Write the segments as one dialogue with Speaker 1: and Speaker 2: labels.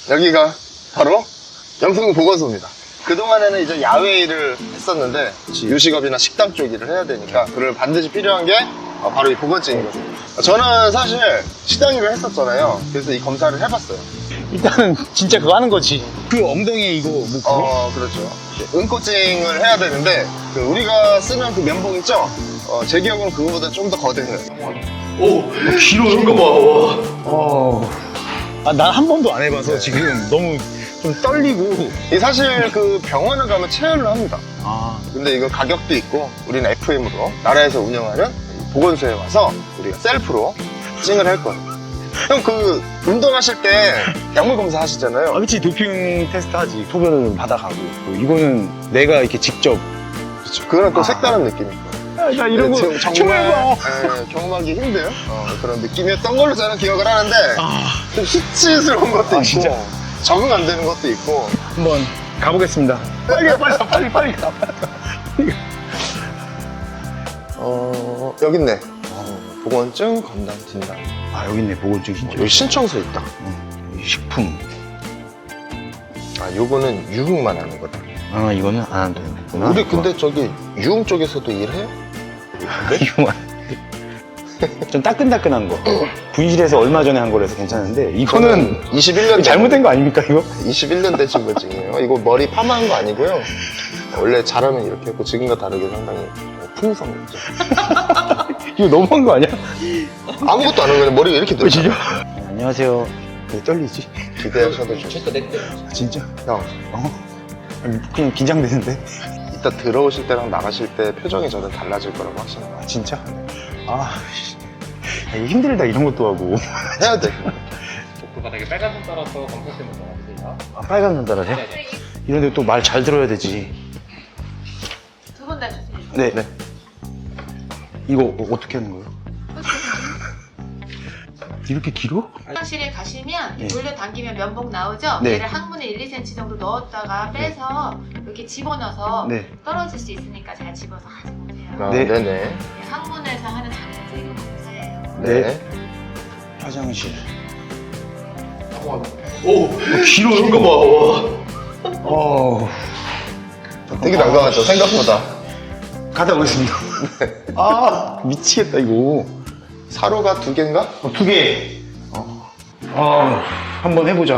Speaker 1: 여기가 바로 영풍 보건소입니다. 그동안에는 이제 야외 일을 했었는데 요식업이나 식당 쪽 일을 해야 되니까 그걸 반드시 필요한 게 바로 이 보건증이거든요. 저는 사실 식당 일을 했었잖아요. 그래서 이 검사를 해봤어요.
Speaker 2: 일단은 진짜 그거 하는 거지. 그 엉덩이에 이거 뭐
Speaker 1: 그렇죠. 은코칭을 해야 되는데 우리가 쓰는 그 면봉 있죠? 제 기억으로는 그거보다 좀 더 거대해요.
Speaker 2: 오, 길어요. 이거 봐. 난 한 번도 안 해봐서 지금 너무 좀 떨리고.
Speaker 1: 사실 그 병원을 가면 체열을 합니다. 근데 이거 가격도 있고 우리는 FM으로 나라에서 운영하는 보건소에 와서 우리가 셀프로 찡을 할 거예요. 형 그 운동하실 때 약물 검사 하시잖아요.
Speaker 2: 그치, 도핑 테스트 하지. 소변을 받아가고. 이거는 내가 이렇게 직접.
Speaker 1: 그렇죠. 그거는 또 색다른 느낌이고.
Speaker 2: 나 이런 거
Speaker 1: 정말 경험하기 힘든 그런 느낌이었던 걸로 저는 기억을 하는데 좀 희치스러운 것도 있고
Speaker 2: 진짜?
Speaker 1: 적응 안 되는 것도 있고.
Speaker 2: 한번 가보겠습니다. 빨리 가.
Speaker 1: 여기 있네. 보건증 건강 진단.
Speaker 2: 여기 있네, 보건증 진짜.
Speaker 1: 여기 신청서 있다.
Speaker 2: 식품.
Speaker 1: 요거는 유흥만 하는 거다.
Speaker 2: 이거는 안 되는구나.
Speaker 1: 우리 근데 저기 유흥 쪽에서도 일해요?
Speaker 2: 이거만. 좀 따끈따끈한 거. 분실해서 얼마 전에 한 거라서 괜찮은데, 이거는
Speaker 1: 21년
Speaker 2: 잘못된 거 아닙니까, 이거?
Speaker 1: 21년 된 신분증이에요. 이거 머리 파마한 거 아니고요. 원래 잘하면 이렇게 했고 지금과 다르게 상당히 풍성 있죠.
Speaker 2: 이거 너무한 거 아니야?
Speaker 1: 아무것도 안 하면 머리가 이렇게 늘어.
Speaker 2: 진짜? 안녕하세요. 왜 떨리지?
Speaker 1: 기대하셔도 좋죠.
Speaker 2: 진짜?
Speaker 1: 형,
Speaker 2: 그냥 긴장되는데?
Speaker 1: 이따 들어오실 때랑 나가실 때 표정이 저는 달라질 거라고 하시는 거예요.
Speaker 2: 진짜? 이거 힘들다, 이런 것도 하고.
Speaker 1: 해야 돼.
Speaker 3: 복부 바닥에 빨간 손 따라서 검사쌤을 전화주세요.
Speaker 2: 빨간 눈 따라서? 이런데 또 말 잘 들어야 되지.
Speaker 4: 두 분 다 주세요.
Speaker 2: 네. 이거 어떻게 하는 거예요? 이렇게 길어?
Speaker 4: 화장실에 가시면
Speaker 2: 네.
Speaker 4: 돌려 당기면 면봉 나오죠?
Speaker 2: 네.
Speaker 4: 얘를 항문에 1, 2cm 정도 넣었다가 빼서 이렇게 집어넣어서
Speaker 2: 네.
Speaker 4: 떨어질 수 있으니까 잘 집어서 가지고 오세요.
Speaker 2: 네.
Speaker 1: 네네.
Speaker 4: 항문에서 하는 장문세균 검사예요.
Speaker 1: 네.
Speaker 2: 화장실. 길어요? 이거 봐.
Speaker 1: 되게 난감하죠, 생각보다.
Speaker 2: 가다 오겠습니다. 미치겠다, 이거.
Speaker 1: 사로가 2개인가?
Speaker 2: 2개. 한번 해보자.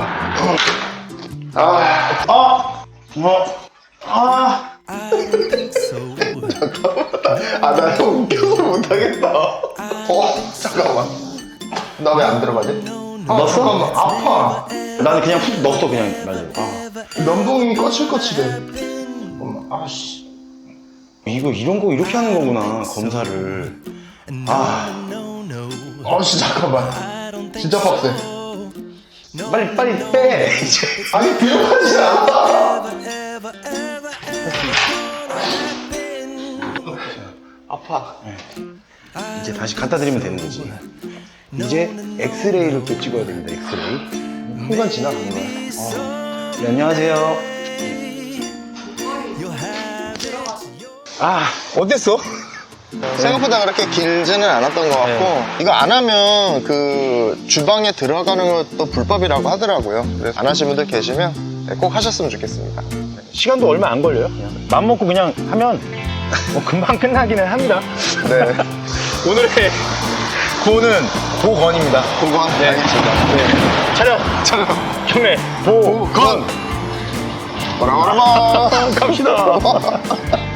Speaker 1: 나 형 웃겨서 못하겠다. 잠깐만. 나 왜 안 들어가지?
Speaker 2: 넣었어?
Speaker 1: 잠깐만, 아파.
Speaker 2: 나는 그냥 훅 넣었어, 그냥. 맞아.
Speaker 1: 면봉이 거칠거칠해. 잠깐만, 아씨.
Speaker 2: 이거 이런 거 이렇게 하는 거구나, 검사를.
Speaker 1: 아씨, 잠깐만. 진짜 빡세.
Speaker 2: 빨리 빼.
Speaker 1: 아니, 비교하지 않아. 아파.
Speaker 2: 이제 다시 갖다 드리면 되는 거지. 이제 엑스레이를 또 찍어야 됩니다, 엑스레이.
Speaker 1: 순간 지나간 거야.
Speaker 2: 네, 안녕하세요. 어땠어?
Speaker 1: 생각보다 그렇게 길지는 않았던 것 같고 이거 안 하면 그 주방에 들어가는 것도 불법이라고 하더라고요. 그래서 안 하신 분들 계시면 꼭 하셨으면 좋겠습니다.
Speaker 2: 시간도 얼마 안 걸려요. 그냥 맘 먹고 그냥 하면 금방 끝나기는 합니다.
Speaker 1: 네.
Speaker 2: 오늘의 구호는 보건입니다.
Speaker 1: 보건.
Speaker 2: 네.
Speaker 1: 알겠습니다.
Speaker 2: 네. 촬영. 경례.
Speaker 1: 보건. 뭐라
Speaker 2: 갑시다.